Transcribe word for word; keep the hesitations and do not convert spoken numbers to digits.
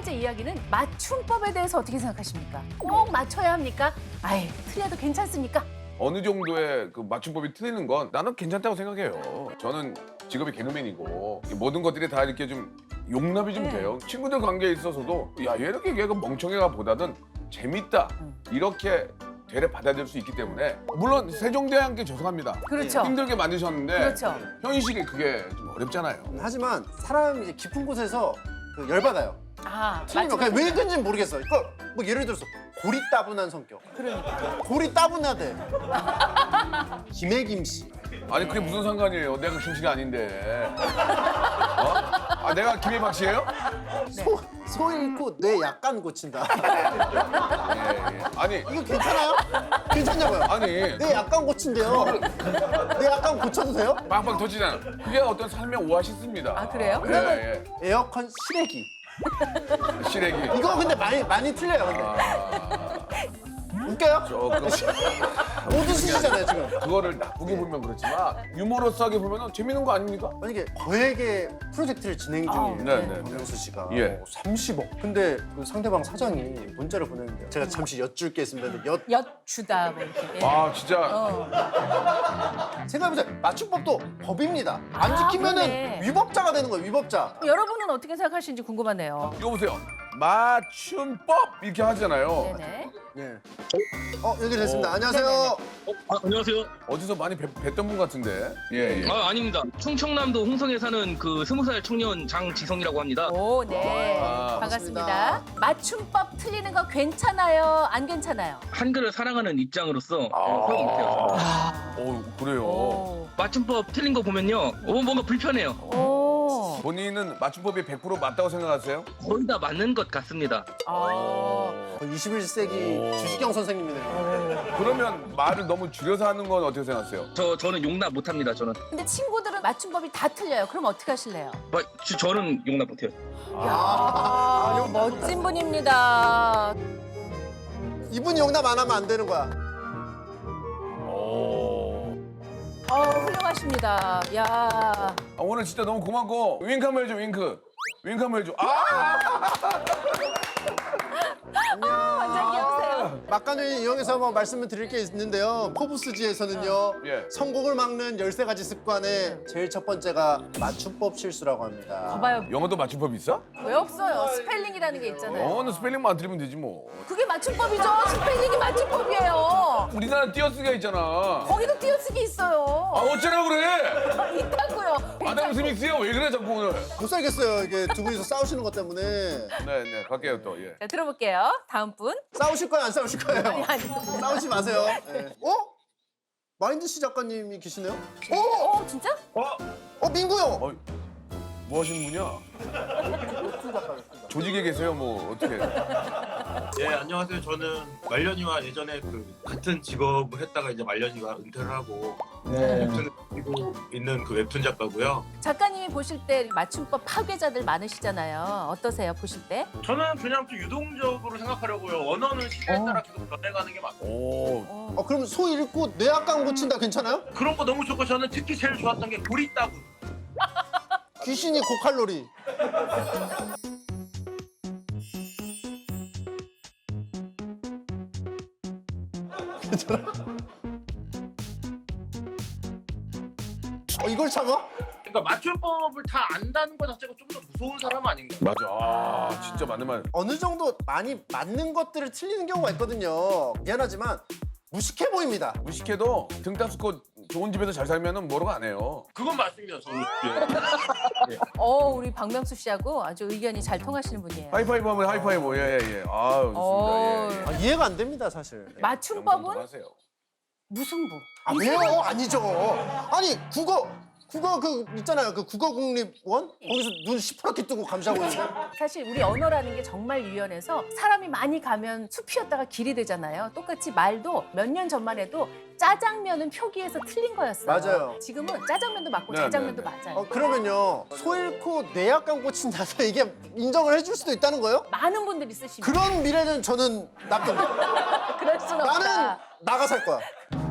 번째 이야기는 맞춤법에 대해서 어떻게 생각하십니까? 꼭 맞춰야 합니까? 아이, 틀려도 괜찮습니까? 어느 정도의 그 맞춤법이 틀리는 건 나는 괜찮다고 생각해요. 저는 직업이 개그맨이고 모든 것들이 다 이렇게 좀 용납이 좀 네. 돼요. 친구들 관계에 있어서도 야, 얘 이렇게 얘가 멍청해가 보다는 재밌다. 이렇게 되레 받아들일 수 있기 때문에 물론 세종대왕께 죄송합니다. 그렇죠. 힘들게 만드셨는데 그렇죠. 현실이 그게 좀 어렵잖아요. 하지만 사람이 이제 깊은 곳에서 그 열받아요. 아, 틀리면 그냥 왜 그런지 모르겠어. 그러니까 뭐 예를 들어서 고리 따분한 성격. 그러니까. 고리 따분하대. 김혜김 씨. 아니 그게 무슨 상관이에요? 내가 김씨가 아닌데. 어? 아 내가 김혜박 씨예요? 소, 소 잃고 뇌 약간 고친다. 예, 예. 아니 이거 괜찮아요? 괜찮냐고요? 아니 뇌 약간 고친대요. 뇌 약간 고쳐도 돼요? 빵빵 터지잖아. 그게 어떤 삶의 오아시스입니다. 아, 그래요? 예, 에어컨 실외기. 예. 시래기. 이거 근데 많이 많이 틀려요. 근데. 아, 웃겨요? 조금 모두 쓰시잖아요 지금. 그거를 나쁘게 보면 그렇지만 유머러스하게 보면 재밌는 거 아닙니까? 만약에 거액의 프로젝트를 진행 중이에요. 네, 네, 네. 박명수 씨가 예. 어, 삼십억. 근데 그 상대방 사장이 문자를 보냈는데 제가 잠시 여쭐 게 있습니다. 엿 엿주다 뭐 이렇게. 아 진짜 어. 생각해보세요. 맞춤법도 법입니다. 안 아, 지키면은 그러네. 위법자가 되는 거예요. 위법자. 여러분은 어떻게 생각하시는지 궁금하네요. 이거 보세요. 맞춤법 이렇게 하잖아요. 네네. 네. 어 연결됐습니다. 어. 안녕하세요. 네네네. 어, 아, 안녕하세요. 어디서 많이 뵀, 뵀던 분 같은데. 예 예. 아, 아닙니다. 충청남도 홍성에 사는 그 스무 살 청년 장지성이라고 합니다. 오, 네. 아, 반갑습니다. 반갑습니다. 맞춤법 틀리는 거 괜찮아요? 안 괜찮아요? 한글을 사랑하는 입장으로서 어, 소용 못해요. 어 그래요. 오. 맞춤법 틀린 거 보면요, 어, 뭔가 불편해요. 오. 본인은 맞춤법이 백 퍼센트 맞다고 생각하세요? 거의 다 맞는 것 같습니다. 아. 거의 이십일 세기 오. 주식경 선생님이네요. 그러면 말을 너무 줄여서 하는 건 어떻게 생각하세요? 저 저는 용납 못합니다. 저는 근데 친구들은 맞춤법이 다 틀려요. 그럼 어떻게 하실래요? 뭐, 저, 저는 용납 못해요. 아, 멋진 분입니다. 이분이 용납 안 하면 안 되는 거야. 오. 어, 훌륭하십니다. 야. 아, 오늘 진짜 너무 고맙고 윙크 한번 해줘 윙크. 윙크 한번 해줘. 아! 완전 귀여우세요. 막간을 이용해서 한번 말씀을 드릴 게 있는데요. 포브스지에서는요. 예. 성공을 막는 열세 가지 습관의 제일 첫 번째가 맞춤법 실수라고 합니다. 봐봐요. 영어도 맞춤법 있어? 왜 없어요? 스펠링이라는 게 있잖아요. 영어는 스펠링만 안 틀리면 되지 뭐. 그게 맞춤법이죠. 스펠링이 맞춤법이에요. 우리나라 띄어쓰기가 있잖아. 거기도 띄어쓰기 있어요. 아 어쩌라 그래? 있다고요. 아담 스미스야 왜 그래 자꾸 오늘? 못 살겠어요. 이게 두 분이서 싸우시는 것 때문에. 네네 갈게요 또 예. 자, 들어볼게요. 다음 분. 싸우실 거예요, 안 싸우실 거예요? 아니, 아니. 싸우지 마세요. 네. 어? 마인드 씨 작가님이 계시네요? 어? 어, 진짜? 어, 민구 형! 어, 뭐 하시는 분이야? 조직에 계세요 뭐 어떻게? 예, 안녕하세요. 저는 말년이와 예전에 그 같은 직업을 했다가 이제 말년이가 은퇴를 하고 웹툰을 그리고 있는 그 웹툰 작가고요. 작가님이 보실 때 맞춤법 파괴자들 많으시잖아요. 어떠세요, 보실 때? 저는 그냥 좀 유동적으로 생각하려고요. 언어는 시대에 따라 계속 변해가는 게 맞고 오. 어. 어, 그럼 소 잃고 뇌약간 고친다 괜찮아요? 그런 거 너무 좋고 저는 특히 제일 좋았던 게 고리 따구. 귀신이 고칼로리. 괜찮아? 어, 이걸 참아? 그러니까 맞춤법을 다 안다는 것 자체가 좀 더 무서운 사람 아닌가? 맞아. 아 진짜 맞는 말. 어느 정도 많이 맞는 것들을 틀리는 경우가 있거든요. 미안하지만 무식해 보입니다. 무식해도 등 따스고 좋은 집에서 잘 살면은 뭐라고 안 해요. 그건 맞습니다. 저는. 어, 우리 박명수 씨하고 아주 의견이 잘 통하시는 분이에요. 하이파이브 하면 하이파이브 예예 예. 아유 어. 좋습니다. 예, 예. 아, 이해가 안 됩니다, 사실. 맞춤법은 하세요. 무승부. 아, 왜요? 아니죠. 아니, 국어, 국어 그 있잖아요. 그 국어국립원? 거기서 눈 시퍼렇게 뜨고 감시하고 있는 거. 사실 우리 언어라는 게 정말 유연해서 사람이 많이 가면 숲이었다가 길이 되잖아요. 똑같이 말도 몇 년 전만 해도 짜장면은 표기에서 틀린 거였어요. 맞아요. 지금은 짜장면도 맞고 네, 짜장면도 네, 네. 맞아요. 어, 그러면요. 소 잃고 뇌약간 고친다서 이게 인정을 해줄 수도 있다는 거예요? 많은 분들이 쓰십니다. 그런 미래는 저는 납득. 그럴 수는 없다. 나는 나가 살 거야.